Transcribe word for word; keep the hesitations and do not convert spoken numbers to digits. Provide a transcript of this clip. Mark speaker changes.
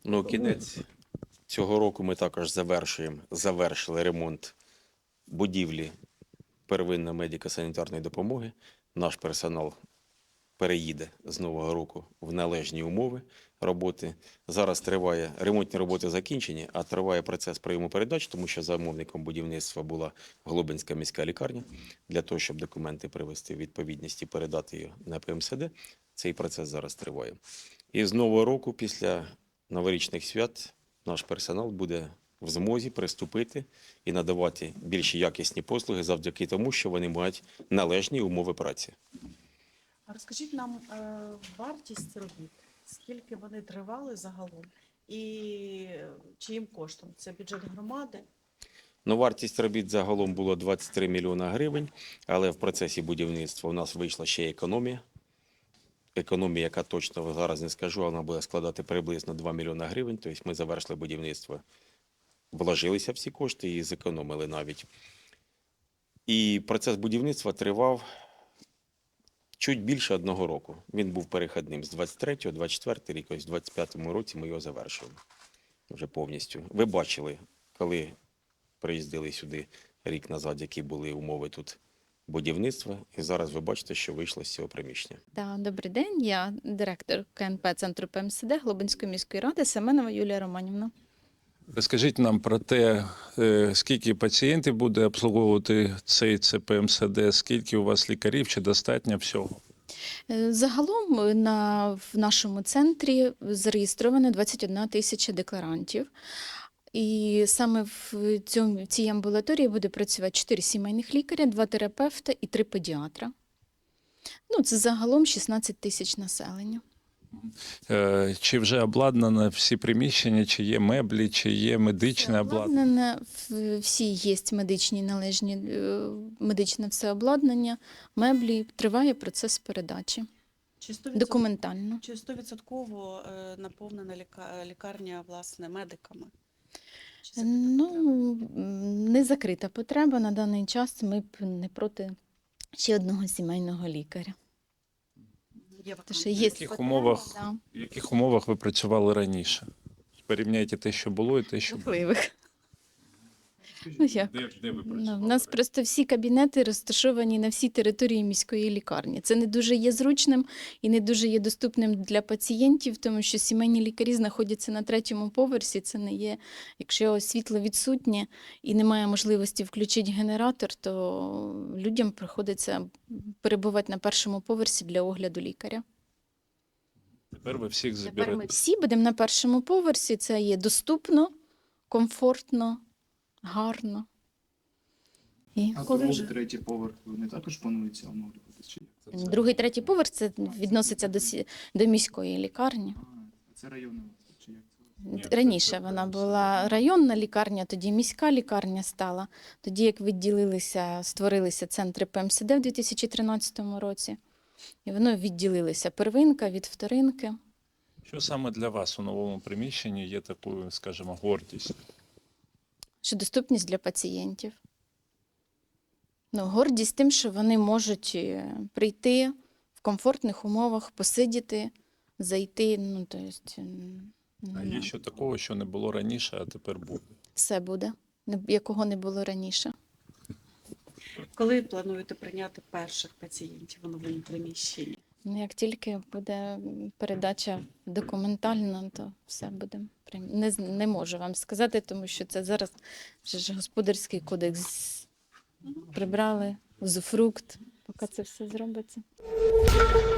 Speaker 1: Ну, кінець цього року ми також завершуємо, завершили ремонт будівлі первинної медико-санітарної допомоги. Наш персонал переїде з нового року в належні умови роботи. Зараз триває, ремонтні роботи закінчені, а триває процес прийому передач, тому що замовником будівництва була Глобинська міська лікарня. Для того, щоб документи привести в відповідність і передати їх на П М С Д, цей процес зараз триває. І з нового року, після новорічних свят, наш персонал буде в змозі приступити і надавати більш якісні послуги завдяки тому, що вони мають належні умови праці.
Speaker 2: А розкажіть нам е, вартість робіт, скільки вони тривали загалом і чиїм коштом? Це бюджет громади?
Speaker 1: Ну, вартість робіт загалом було двадцять три мільйона гривень, але в процесі будівництва у нас вийшла ще економія. Економія, яка точно зараз не скажу, вона буде складати приблизно два мільйона гривень. Тобто ми завершили будівництво, вложилися всі кошти і зекономили навіть. І процес будівництва тривав чуть більше одного року. Він був перехідним з двадцять третього, двадцять четвертого рік, ось в двадцять п'ятому році ми його завершуємо вже повністю. Ви бачили, коли приїздили сюди рік назад, які були умови тут будівництва, і зараз ви бачите, що вийшло з цього приміщення.
Speaker 3: Да, добрий день, я директор К Н П центру П М С Д Глобинської міської ради Семенова Юлія Романівна.
Speaker 4: Розкажіть нам про те, е, скільки пацієнтів буде обслуговувати цей Ц П М С Д, скільки у вас лікарів, чи достатньо всього?
Speaker 3: Е, Загалом на, в нашому центрі зареєстровано двадцять одна тисяча декларантів. І саме в цьому, в цій амбулаторії буде працювати чотири сімейних лікаря, два терапевта і три педіатра. Ну, це загалом шістнадцять тисяч населення.
Speaker 4: Е, Чи вже обладнано всі приміщення, чи є меблі, чи є медичне обладнання?
Speaker 3: Обладнане, в- всі є медичні належні, е, медичне все обладнання, меблі, триває процес передачі.
Speaker 2: Чи сто відсотків
Speaker 3: Документально.
Speaker 2: Чи стовідсотково е, наповнена ліка- лікарня, власне, медиками? Чи закрита
Speaker 3: Ну,
Speaker 2: потреба?
Speaker 3: м, не закрита потреба. На даний час ми б не проти ще одного сімейного лікаря.
Speaker 2: Є
Speaker 3: Тому що
Speaker 2: вакансії?
Speaker 3: є
Speaker 4: В яких
Speaker 3: потреба,
Speaker 4: умовах?
Speaker 3: да,
Speaker 4: В яких умовах ви працювали раніше? Порівняйте те, що було, і те, що було.
Speaker 3: жахливих. Ну, як?
Speaker 4: Де, де ви
Speaker 3: Ну,
Speaker 4: працювали?
Speaker 3: У нас просто всі кабінети розташовані на всій території міської лікарні. Це не дуже є зручним і не дуже є доступним для пацієнтів, тому що сімейні лікарі знаходяться на третьому поверсі. Це не є, якщо світло відсутнє і немає можливості включити генератор, то людям приходиться перебувати на першому поверсі для огляду лікаря.
Speaker 4: Тепер ви всіх
Speaker 3: Тепер
Speaker 4: заберете.
Speaker 3: ми всі будемо на першому поверсі. Це є доступно, комфортно, гарно. І
Speaker 5: А
Speaker 3: коли
Speaker 5: другий,
Speaker 3: вже-
Speaker 5: третій поверх вони також плануються оновлювати? Чи як?
Speaker 3: Другий, третій поверх це відноситься до, сі- до міської лікарні.
Speaker 5: А, це районна чи як це?
Speaker 4: Ні, це-
Speaker 3: Раніше
Speaker 4: це
Speaker 3: вона
Speaker 4: все
Speaker 3: була районна лікарня, тоді міська лікарня стала. Тоді як відділилися, створилися центри П М С Д в дві тисячі тринадцятому році. І воно відділилися первинка від вторинки.
Speaker 4: Що саме для вас у новому приміщенні є такою, скажімо, гордістю?
Speaker 3: Що доступність для пацієнтів. Ну, гордість тим, що вони можуть е, прийти в комфортних умовах, посидіти, зайти. Ну, то есть, м,
Speaker 4: А
Speaker 3: ну,
Speaker 4: є що такого, що не було раніше, а тепер буде?
Speaker 3: все буде, не- якого не було раніше.
Speaker 2: Коли плануєте прийняти перших пацієнтів у новому приміщенні?
Speaker 3: Ну, як тільки буде передача документальна, то все буде. прийм- Не, з- не можу вам сказати, тому що це зараз вже ж господарський кодекс прибрали, узуфрукт, поки це все зробиться.